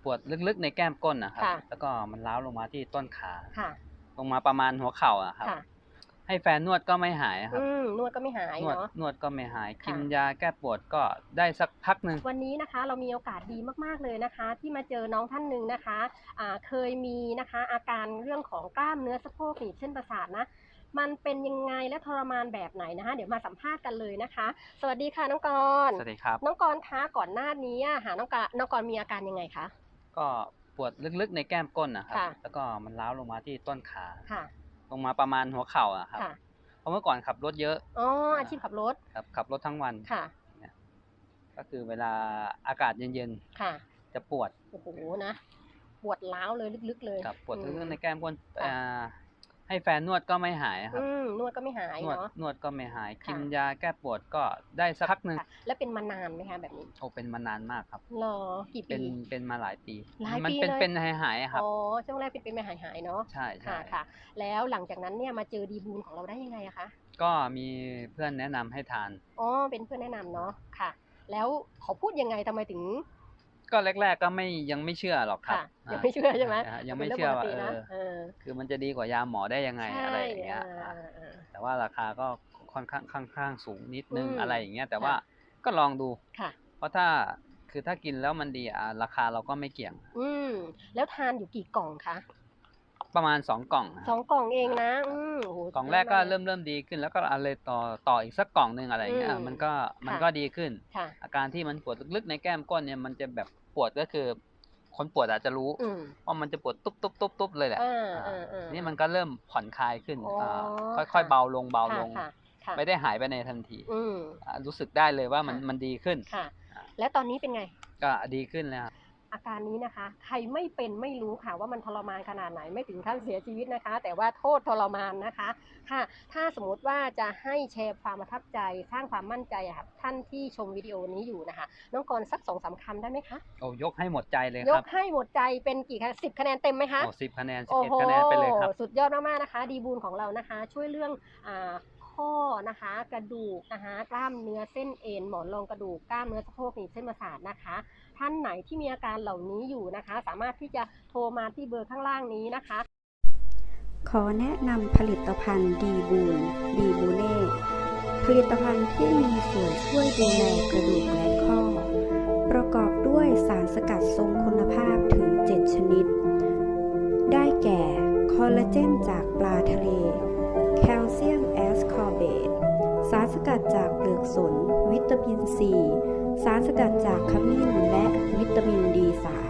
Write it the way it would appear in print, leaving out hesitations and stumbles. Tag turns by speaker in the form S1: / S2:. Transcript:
S1: ปวดลึกๆในแก้มก้นนะครับแล้วก็มันร้าวลงมาที่ต้นขาลงมาประมาณหัวเข่าอะครับให้แฟนนวดก็ไม่หายครับ
S2: นวดก็ไม่หายเนาะ
S1: นวดก็ไม่หายกินยาแก้ปวดก็ได้สักพักหนึ่ง
S2: วันนี้นะคะเรามีโอกาสดีมากๆเลยนะคะที่มาเจอน้องท่านหนึ่งนะคะเคยมีนะคะอาการเรื่องของกล้ามเนื้อสะโพกหนีบเส้นประสาทนะมันเป็นยังไงและทรมานแบบไหนนะคะเดี๋ยวมาสัมภาษณ์กันเลยนะคะสวัสดีค่ะน้องกร
S1: สวัสดีครับ
S2: น้องกรคะก่อนหน้านี้น้องกรมีอาการยังไงคะ
S1: ก็ปวดลึกๆในแก้มก้นนะครับแล้วก็มันร้าวลงมาที่ต้นขาลงมาประมาณหัวเข่าอะครับเพราะเมื่อก่อนขับรถเยอะ
S2: อาชีพขับรถ
S1: ครับขับรถทั้งวันก็คือเวลาอากาศเย็นๆจะปวด
S2: โอ้โหนะปวดร้าวเลยลึกๆเลย
S1: ปวดลึกๆในแก้มก้นให้แฟนนวดก็ไม่หายครับ
S2: นวดก็ไม่หายเนาะ
S1: นวดก็ไม่หายกินยาแก้ปวดก็ได้สักพักหนึ่ง
S2: แล้วเป็นมานานไหมคะแบบนี้
S1: โอ้เป็นมานานมากครับ
S2: หรอกี่ปี
S1: เป็นมาหลายปี
S2: มัน
S1: เป็นหายครับ
S2: อ๋อช่วงแรกเป็นหายเนาะ
S1: ใช่
S2: ค่ะแล้วหลังจากนั้นเนี่ยมาเจอดีบูลของเราได้ยังไงอะคะ
S1: ก็มีเพื่อนแนะนำให้ทาน
S2: เป็นเพื่อนแนะนำเนาะค่ะแล้วเขาพูดยังไงทำไมถึง
S1: ก็แรกๆก็ยังไม่เชื่อหรอกครับ
S2: ยังไม่เชื่อใช่ไหม
S1: ยังไม่เชื่อว่าคือมันจะดีกว่ายาหมอได้ยังไงอะไรอย่างเงี้ยแต่ว่าราคาก็ค่อนข้างสูงนิดนึงอะไรอย่างเงี้ยแต่ว่าก็ลองดูเพราะถ้ากินแล้วมันดีราคาเราก็ไม่เกี่ยง
S2: แล้วทานอยู่กี่กล่องคะ
S1: ประมาณ2 กล่อง
S2: 2 กล่องเองนะ
S1: กล่องแรกก็เริ่มดีขึ้นแล้วก็อะไรต่ออีกสักกล่องนึงอะไรอย่างเงี้ยมันก็ดีขึ้นอาการที่มันปวดลึกๆในแก้มก้นเนี่ยมันจะแบบปวดก็คือคนปวดอาจจะรู้ว่ามันจะปวดตุ๊บเลยแหละนี่มันก็เริ่มผ่อนคลายขึ้นค่อยๆเบาลงไม่ได้หายไปในทันทีรู้สึกได้เลยว่ามันดีขึ้น
S2: แล้วตอนนี้เป็นไง
S1: ก็ดีขึ้นแล้ว
S2: อาการนี้นะคะใครไม่เป็นไม่รู้ค่ะว่ามันทรมานขนาดไหนไม่ถึงขั้นเสียชีวิตนะคะแต่ว่าโทษทรมานนะคะค่ะถ้าสมมติว่าจะให้แชร์ความประทับใจสร้างความมั่นใจค่ะท่านที่ชมวิดีโอนี้อยู่นะคะน้องกรสัก2-3 คำได้ไหมคะ
S1: โอ้ยกให้หมดใจเลยครับ
S2: ยกให้หมดใจเป็นกี่คะ10 คะแนนเต็มไหมคะ
S1: โอ้10 คะแนน11 คะแนนไปเลยครับ
S2: สุดยอดมากๆนะคะดีบูลของเรานะคะช่วยเรื่องข้อนะคะกระดูกนะคะกล้ามเนื้อเส้นเอ็นหมอนรองกระดูกกล้ามเนื้อสะโพกหนีบเส้นประสาทนะคะท่านไหนที่มีอาการเหล่านี้อยู่นะคะสามารถที่จะโทรมาที่เบอร์ข้างล่างนี้นะคะ
S3: ขอแนะนำผลิตภัณฑ์ดีบูเน่ผลิตภัณฑ์ที่มีส่วนช่วยดูแลกระดูกและข้อประกอบด้วยสารสกัดทรงคุณภาพถึง7 ชนิดได้แก่คอลลาเจนจากปลาทะเลแคลเซียมแอสคอร์เบตสารสกัดจากเปลือกสนวิตามินซีสารสกัดจากขมิ้นและวิตามิน D3